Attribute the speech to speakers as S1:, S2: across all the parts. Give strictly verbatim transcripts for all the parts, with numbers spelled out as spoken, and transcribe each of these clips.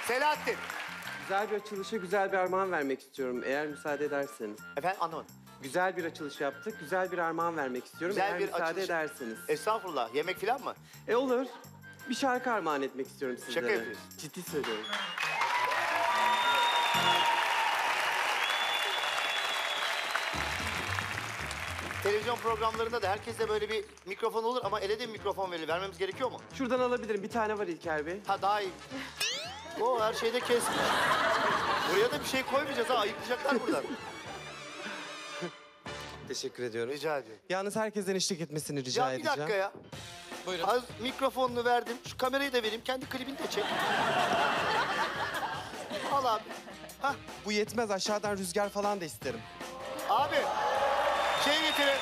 S1: Selahattin.
S2: Güzel bir açılışa güzel bir armağan vermek istiyorum eğer müsaade ederseniz.
S1: Efendim anlamadım.
S2: Güzel bir açılış yaptık, güzel bir armağan vermek istiyorum
S1: Güzel
S2: eğer
S1: bir
S2: müsaade
S1: açılış-
S2: ederseniz.
S1: Estağfurullah. Yemek falan mı?
S2: E olur. Bir şarkı armağan etmek istiyorum sizlere.
S1: Şaka yapıyorsun.
S2: Ciddi söylüyorum.
S1: Televizyon programlarında da herkeste böyle bir mikrofon olur ama ele de bir mikrofon verilir. Vermemiz gerekiyor mu?
S2: Şuradan alabilirim. Bir tane var İlker Bey.
S1: Ha daha iyi. O her şeyde kesmiş. Buraya da bir şey koymayacağız ha. Ayıklayacaklar buradan.
S2: Teşekkür ediyorum.
S1: Rica ediyorum.
S2: Yalnız herkesten eşlik etmesini rica
S1: Ya bir
S2: edeceğim.
S1: dakika ya.
S2: Buyurun.
S1: Az mikrofonunu verdim. Şu kamerayı da vereyim. Kendi klibini de çek. Al abi. Hah.
S2: Bu yetmez. Aşağıdan rüzgar falan da isterim.
S1: Abi. Şey getirin.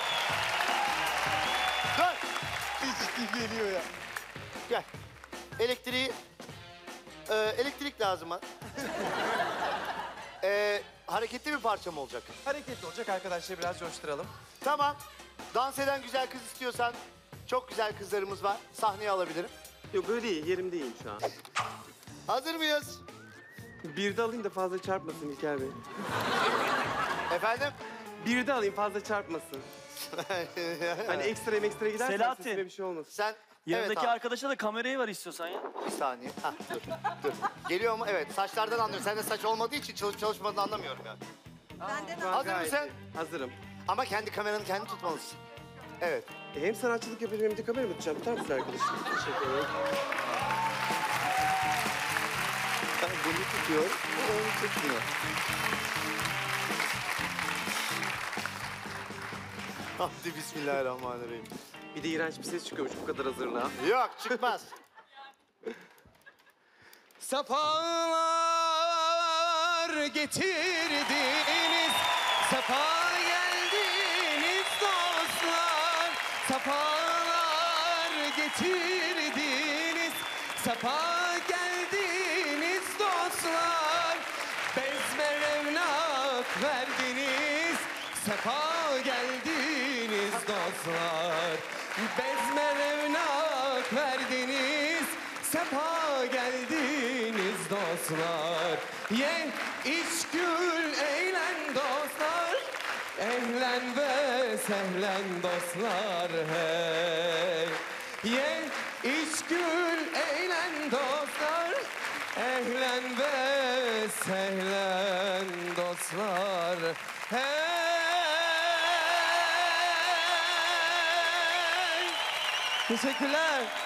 S1: Dur.
S2: Ciddi geliyor ya.
S1: Gel. Elektriği... Ee, elektrik lazım ha. ee, hareketli bir parça mı olacak?
S2: Hareketli olacak arkadaşlar. Biraz coşturalım.
S1: Tamam. Dans eden güzel kız istiyorsan çok güzel kızlarımız var. Sahneye alabilirim.
S2: Yok böyle iyi. Yerimdeyim şu an.
S1: Hazır mıyız?
S2: Bir de alayım da fazla çarpmasın İlker Bey.
S1: Efendim?
S2: Bir de alayım fazla çarpmasın. Hani ekstra ekstra gidersen
S3: Selahattin.
S2: sesime bir şey olmasın.
S1: Sen...
S3: Yanındaki
S1: evet, abi.
S3: arkadaşa da kamerayı ver istiyorsan ya.
S1: Bir saniye. Hah, dur, dur. Geliyor mu? Evet. Saçlardan anlıyorum. Sende saç olmadığı için çalışıp çalışmadığını anlamıyorum yani.
S2: Şu an
S1: Hazır
S2: gayet
S1: mısın?
S2: iyi. Hazırım.
S1: Ama kendi kameranı kendi tutmalısın. Evet.
S2: E, hem sanatçılık yapacağım hem de kamera mı tutacağım? Tutar mısın arkadaşım? Teşekkür ederim.
S1: Ben bunu tutuyor, onu tutmuyor. Hadi bismillahirrahmanirrahim.
S2: Bir de iğrenç bir ses çıkıyormuş bu kadar hazırlığa.
S1: Yok çıkmaz.
S2: Sefalar getirdiniz, sefa geldiniz dostlar. Sefalar getirdiniz, sefa geldiniz dostlar. Bezme revnak verdiniz, sefa geldiniz dostlar. Bezme revnak verdiniz, sefa geldiniz dostlar. Ye, iç, gül, eğlen dostlar. Ehlen ve sehlen dostlar hey. Ye, iç, gül, eğlen dostlar. Ehlen ve sehlen dostlar hey. Teşekkürler.